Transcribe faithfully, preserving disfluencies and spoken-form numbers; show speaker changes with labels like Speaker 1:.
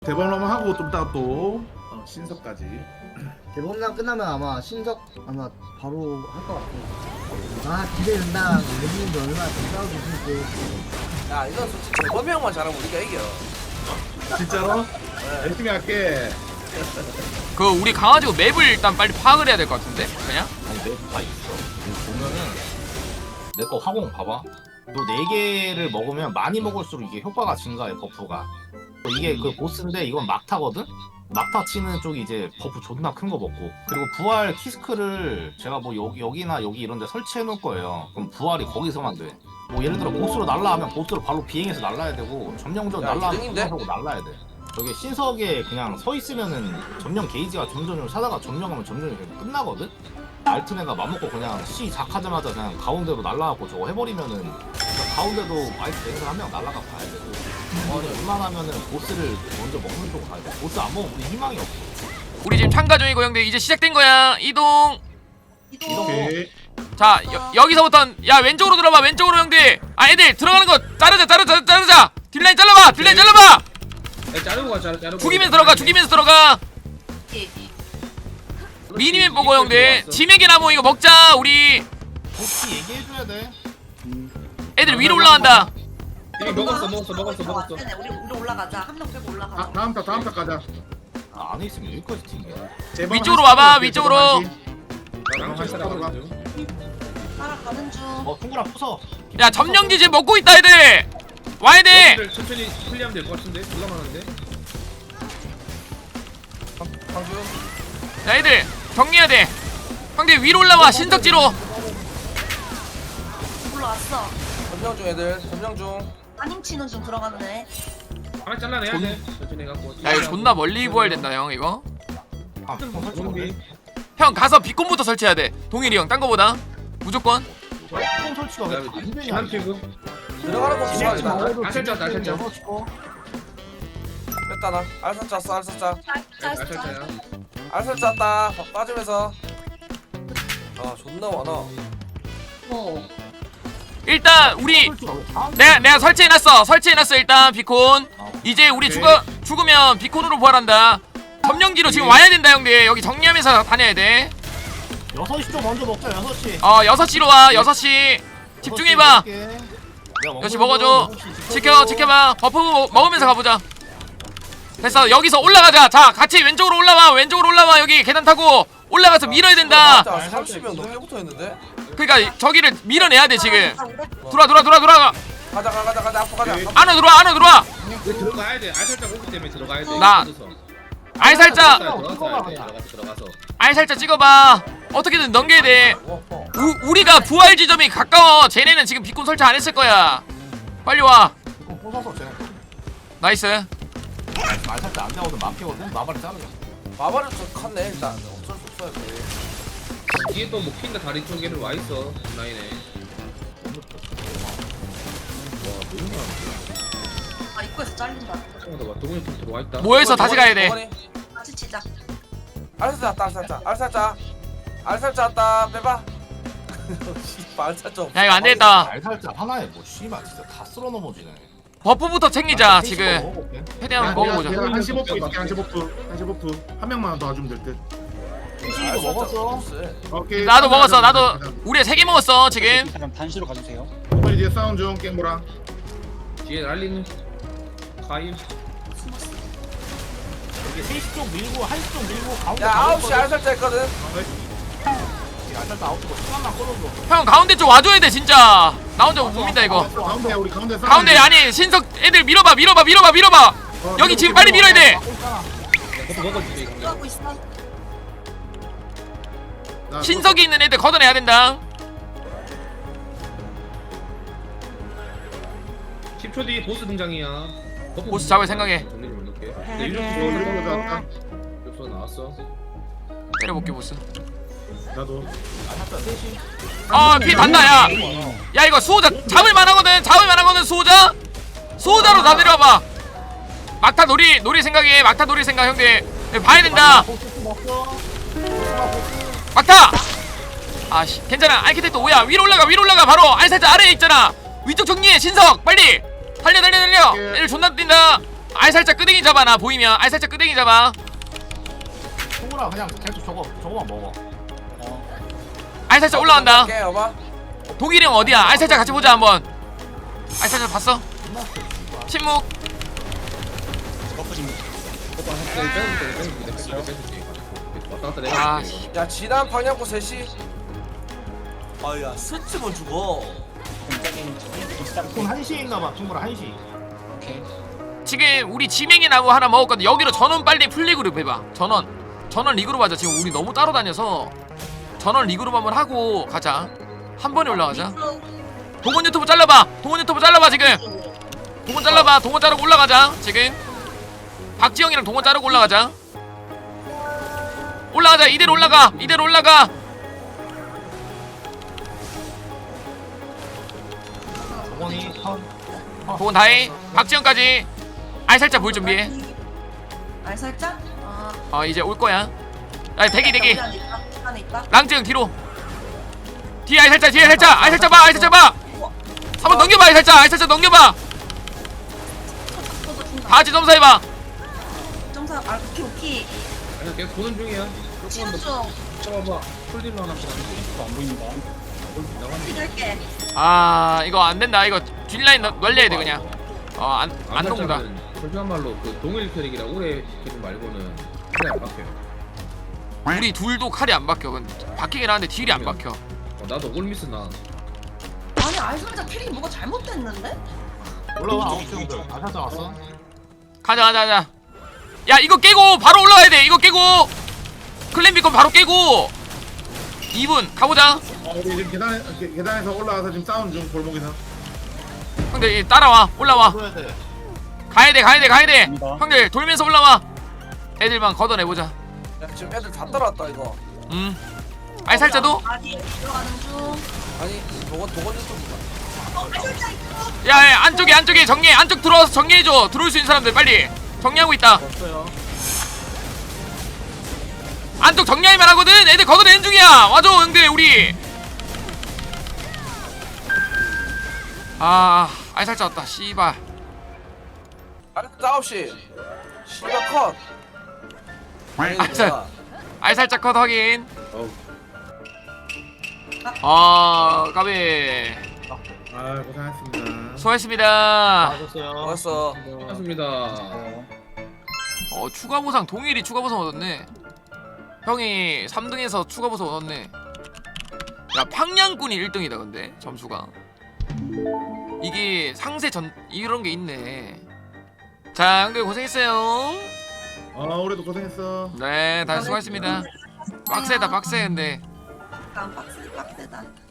Speaker 1: 대범람 하고 좀 이따가 또 어, 신석까지.
Speaker 2: 대범람 끝나면 아마 신석 아마 바로 할 것 같아요. 아 기대된다. 랩님도 얼마나 더 싸우고 있을지.
Speaker 3: 야 이건 솔직히 대범이 형만 잘하면 우리가 이겨.
Speaker 1: 진짜로? 열심히 할게.
Speaker 4: 그 우리 강아지고 맵을 일단 빨리 파악을 해야 될 것 같은데 그냥.
Speaker 5: 아니 맵 다 있어. 이거 보면은 내 거 화공 봐봐. 너 네 개를 먹으면 많이 먹을수록 이게 효과가 증가해 버프가. 이게 그 보스인데 이건 막타거든? 막타 치는 쪽이 이제 버프 존나 큰 거 먹고, 그리고 부활 키스크를 제가 뭐 여기, 여기나 여기 이런 데 설치해 놓을 거예요. 그럼 부활이 거기서만 돼. 뭐 예를 들어 보스로 날라하면 보스로 바로 비행해서 날라야 되고, 점령전
Speaker 3: 야,
Speaker 5: 날라하면
Speaker 3: 이등인데?
Speaker 5: 하고 날라야 돼. 저게 신석에 그냥 서 있으면은 점령 게이지가 점점점 차다가 점령하면 점령이 그냥 끝나거든? 알트네가 맘먹고 그냥 C 작하자마자 그냥 가운데로 날라가고 저거 해버리면은 그러니까 가운데도 마이크 랭을 한 명 날라가 봐야 되고, 어, 웬만하면은 보스를 먼저 먹는 쪽으로 가야 돼. 보스 안 먹으면 우리 희망이 없어.
Speaker 4: 우리 지금 참가 중이고 형들 이제 시작된 거야. 이동.
Speaker 1: 오케이.
Speaker 4: 자 여, 여기서부터 야 왼쪽으로 들어봐. 왼쪽으로 형들. 아 애들 들어가는 거 자르자 자르자 자르자. 딜라인 잘라봐. 딜라인 잘라봐.
Speaker 6: 야, 자르고 가, 자르, 자르고.
Speaker 4: 죽이면서 들어가. 죽이면서 들어가. 미니맵 보고 형들. 지맥의 나무 이거 먹자. 우리
Speaker 5: 보스 얘기해줘야 돼.
Speaker 4: 애들 위로 올라간다.
Speaker 6: 이미 먹었어, 먹었어, 먹었어, 먹었어.
Speaker 7: 네, 우리 우리 올라가자. 한 명 빼고 올라가자.
Speaker 1: 다, 다음 타 다음 타 가자.
Speaker 5: 아, 안에 있으면 여기까지 튕겨.
Speaker 1: 제발
Speaker 4: 위쪽으로
Speaker 1: 한시
Speaker 4: 와봐,
Speaker 1: 올게,
Speaker 4: 위쪽으로.
Speaker 1: 제발 한시.
Speaker 6: 나랑 같이 따라가는 중.
Speaker 7: 따라가는 중.
Speaker 5: 어, 퉁구라 부숴.
Speaker 4: 야 점령지 지금 먹고 있다 애들. 와야 돼.
Speaker 6: 여러분들 천천히 클리어하면 될 것 같은데? 누가 많은데?
Speaker 3: 강준.
Speaker 4: 야 애들 정리해야 돼. 형들 위로 올라와. 신석지로.
Speaker 7: 올라왔어.
Speaker 3: 점령 중 애들. 점령 중.
Speaker 7: 안임 치는 중 들어갔네.
Speaker 6: 하나 잘라내야 돼. 천천히 해갖고.
Speaker 4: 야 이거 존나 멀리 부활된다 형 이거.
Speaker 5: 아, 형 설치
Speaker 6: 좀비.
Speaker 5: 못해.
Speaker 4: 형 가서 비콘부터 설치해야 돼. 동일이 형 딴 거보다 무조건.
Speaker 5: 형 설치가 왜 안 되냐?
Speaker 6: 한 피고.
Speaker 3: 들어가는 거 조심하자.
Speaker 6: 알살자, 알살자.
Speaker 3: 뺐다 나. 알살 짰어. 알살 짜.
Speaker 6: 알살자야.
Speaker 3: 알살 짰다. 빠지면서. 아 존나 많아.
Speaker 7: 어.
Speaker 4: 일단 우리 내가 내가 설치해놨어. 설치해놨어 일단 비콘. 이제 우리
Speaker 1: 오케이.
Speaker 4: 죽어 죽으면 비콘으로 부활한다. 점령지로 지금 와야 된다 형들. 여기 정리하면서 다녀야 돼.
Speaker 5: 여섯 시 좀 먼저 먹자. 여섯 시.
Speaker 4: 어 여섯 시로 와. 여섯 시 집중해봐. 역시 먹어줘. 지켜 지켜봐. 버프 먹- 먹으면서 가보자. 됐어. 여기서 올라가자. 자 같이 왼쪽으로 올라와. 왼쪽으로 올라와. 여기 계단 타고 올라가서 밀어야 된다.
Speaker 3: 진짜 삼십 명 넘게 붙어 있는데.
Speaker 4: 그러니까 저기를 밀어내야 돼 지금. 돌아 돌아 돌아 돌아.
Speaker 3: 가자 가자 가자 가자 앞으로 가자.
Speaker 1: 오케이.
Speaker 4: 안으로 들어와. 안으로 들어와.
Speaker 6: 여기 들어가야 돼. 알살자 오기 때문에 들어가야 돼.
Speaker 4: 나- 알살자
Speaker 6: 들어가서 들어가서 들어가서 들어가서.
Speaker 4: 알살자 찍어봐. 어떻게든 넘겨야 돼.
Speaker 3: 어, 어.
Speaker 4: 우, 우리가 부활 지점이 가까워. 쟤네는 지금 비콘 설치 안 했을 거야. 빨리 와.
Speaker 5: 이거 꽂아서 쟤네.
Speaker 4: 나이스.
Speaker 5: 말살때 안 되거든. 막히거든. 마발이 자르자.
Speaker 3: 마발을 좀 컸네 일단. 어쩔 수 없어요. 그게.
Speaker 6: 뒤에 또뭐 핑가 다리 쪽에는 와 있어. 라인에.
Speaker 7: 아 입구에서 잘린다.
Speaker 6: 잠깐만 봐. 동훈이 좀 들어와 있다.
Speaker 4: 모여서 다시 가야 돼.
Speaker 3: 동원이.
Speaker 7: 같이 치자.
Speaker 3: 알살 짰다 알살 짜. 알살 짜. 알살 짰다. 빼봐. 씨발 알살 좀.
Speaker 4: 야 이거 안 되겠다.
Speaker 5: 말살자 하나에 뭐 씨발 진짜 다 쓸어 넘어지네.
Speaker 4: 버프부터 챙기자
Speaker 5: 나
Speaker 4: 지금.
Speaker 5: 먹어볼게.
Speaker 4: 최대한 먹어보자.
Speaker 1: 한시 버프 있을게. 한시 버프. 한시 버프. 한 명만 더 와주면 될 듯.
Speaker 5: 이거 먹었어.
Speaker 1: 오케이.
Speaker 4: 나도 먹었어. 나도 우리 세 개 먹었어 지금.
Speaker 8: 그럼 단시로 가주세요.
Speaker 1: 빨리 뒤에 싸운 중 깽보랑.
Speaker 6: 뒤에 날리는 가임.
Speaker 5: 이게 세 시 쪽 밀고 한 시 쪽 밀고 가운데.
Speaker 3: 야 아홉 시 알살 짜 했거든.
Speaker 5: 알살자 아홉 시 뭐 시간만 끌어줘.
Speaker 4: 형 가운데 쪽 와줘야 돼 진짜. 나 혼자 못 민다 이거.
Speaker 1: 가운데 우리 가운데 싸움.
Speaker 4: 가운데 아니 신석 애들 밀어봐 밀어봐 밀어봐 밀어봐.
Speaker 1: 어,
Speaker 4: 여기 지금 빨리 밀어야 돼.
Speaker 6: 그것도 먹어주지.
Speaker 7: 하고 있어.
Speaker 1: 나
Speaker 4: 신석이 있는 애들 걷어내야 된다.
Speaker 6: 십 초 뒤 보스 등장이야. 버프
Speaker 4: 보스 잡을 생각해.
Speaker 6: 정리 좀 해놓을게. 네,
Speaker 1: 그거
Speaker 6: 유력수
Speaker 1: 들어가자,
Speaker 6: 들어가자.
Speaker 1: 아까.
Speaker 6: 유력수 나왔어.
Speaker 4: 때려볼게 보스.
Speaker 1: 나도.
Speaker 5: 알살자 세 시.
Speaker 4: 아피 단다 야. 야 이거 수호자 잡을 만하거든. 잡을 만하거든 수호자. 수호자로 다 내려와봐. 막타 놀이 놀이 생각해. 막타 놀이 생각 형들. 봐야 된다. 막타. 아씨 괜찮아. 알키텍트 오야. 위로 올라가 위로 올라가. 바로 알살자 아래에 있잖아. 위쪽 정리해 신석 빨리. 달려 달려 달려. 애들 존나 뛴다. 알살짝 끄댕이 잡아. 나 보이면 알살짝 끄댕이 잡아.
Speaker 5: 송구라 그냥 계속 저거 저거만 먹어.
Speaker 4: 알살짝 올라간다.
Speaker 3: 오케이 여봐.
Speaker 4: 동일이 형 어디야? 알살짝 같이 보자 한번. 알살짝 봤어? 침묵.
Speaker 6: 버프 좀 버프 한 대 빼줄게 빼줄게 빼줄게 빼줄게 왔다 갔다 내가
Speaker 4: 아,
Speaker 6: 해줄게, 이거.
Speaker 3: 야 지난 방향고 셋이. 아야 스치면 죽어.
Speaker 5: 돈 한시에 있나봐 친구라 한시.
Speaker 4: 지금 우리 지맹이 나고 하나 먹었거든. 여기로 전원 빨리 풀리그룹 해봐. 전원 전원 리그룹 하자. 지금 우리 너무 따로 다녀서 전원 리그룹 한번 하고 가자. 한 번에 올라가자. 동원 유튜브 잘라봐. 동원 유튜브 잘라봐 지금. 동원 잘라봐. 동원 자르고 올라가자 지금. 박지영이랑 동원 자르고 올라가자. 올라가자. 이대로 올라가. 이대로 올라가.
Speaker 5: 저번이 턴.
Speaker 4: 동원 다해. 박지영까지. 알살짝 볼 준비해.
Speaker 7: 알 살짝? 아.
Speaker 4: 어 이제 올 거야. 야 대기 대기.
Speaker 7: 여기 안에 있다. 안에 있다.
Speaker 4: 랑증 뒤로. 뒤에 알살짝 뒤에 살짝. 알살짝 봐. 알살짝 봐. 한번 넘겨봐. 알살짝. 알살짝 넘겨봐.
Speaker 7: 저도 중간.
Speaker 4: 다 같이 점사해봐.
Speaker 7: 점사. 아 오키 오키.
Speaker 6: 아니야 계속 보는 중이야
Speaker 7: 치는
Speaker 6: 조금만
Speaker 7: 중.
Speaker 6: 더 쳐봐봐 풀딜로 하나 보다 안 보인다 나가는
Speaker 7: 할게.
Speaker 4: 아 이거 안 된다. 이거 뒷라인 널- 널려야 돼 그냥. 어안 안 녹는다.
Speaker 6: 솔직한 말로 그 동일 캐릭이랑 오래 캐릭 말고는 그래 안 박혀
Speaker 4: 우리 둘도 칼이 안 박혀. 근데 박히긴 하는데 딜이 안 박혀.
Speaker 6: 어, 나도 올미스 나
Speaker 7: 아니 알 살짝 캐릭이 뭐가 잘못됐는데?
Speaker 5: 올라와 아홉 친구들 다 찾아왔어.
Speaker 4: 가자 가자 가자. 야 이거 깨고 바로 올라가야 돼. 이거 깨고 클랜 비건 바로 깨고 이 분 가보자.
Speaker 1: 어, 우리 지금 계단에 계- 계단에서 올라와서 지금 싸우는 중 골목에서.
Speaker 4: 형들 따라와. 올라와.
Speaker 5: 보여야 돼.
Speaker 4: 가야 돼 가야 돼 가야 돼. 형들 돌면서 올라와. 애들만 걷어내보자.
Speaker 3: 야 지금 애들 다 따라왔다 이거.
Speaker 4: 음. 알살자도?
Speaker 7: 아니 들어가는 중.
Speaker 3: 아니 도건 도건 유튜브가.
Speaker 7: 어, 알 살짝 있고.
Speaker 4: 야, 야 안쪽에 안쪽에 정리해. 안쪽 들어와서 정리해줘. 들어올 수 있는 사람들 빨리 정리하고 있다. 안쪽 정리하기만 하거든. 애들 걷어내는 중이야. 와줘 형들 우리. 아 알살자 왔다. 씨발.
Speaker 3: 알살짝 아홉 시. 씨발 컷. 아니,
Speaker 4: 알살-
Speaker 3: 뭐야.
Speaker 4: 알살자 컷 확인.
Speaker 6: 어우
Speaker 4: 아 까비.
Speaker 1: 아 고생하셨습니다.
Speaker 4: 수고하셨습니다.
Speaker 5: 맞았어요.
Speaker 3: 먹었어.
Speaker 6: 반갑습니다
Speaker 4: 어 추가 보상 동일이 추가 보상 얻었네. 형이 삼 등에서 추가 보상 얻었네. 야 팡냥꾼이 일 등이다 근데 점수가. 이게 상세 전 이런 게 있네. 자 형들 고생했어요.
Speaker 1: 아 올해도 고생했어.
Speaker 4: 네 다시 수고하셨습니다. 빡세다 빡세 근데.
Speaker 7: 깜빡세 빡세다.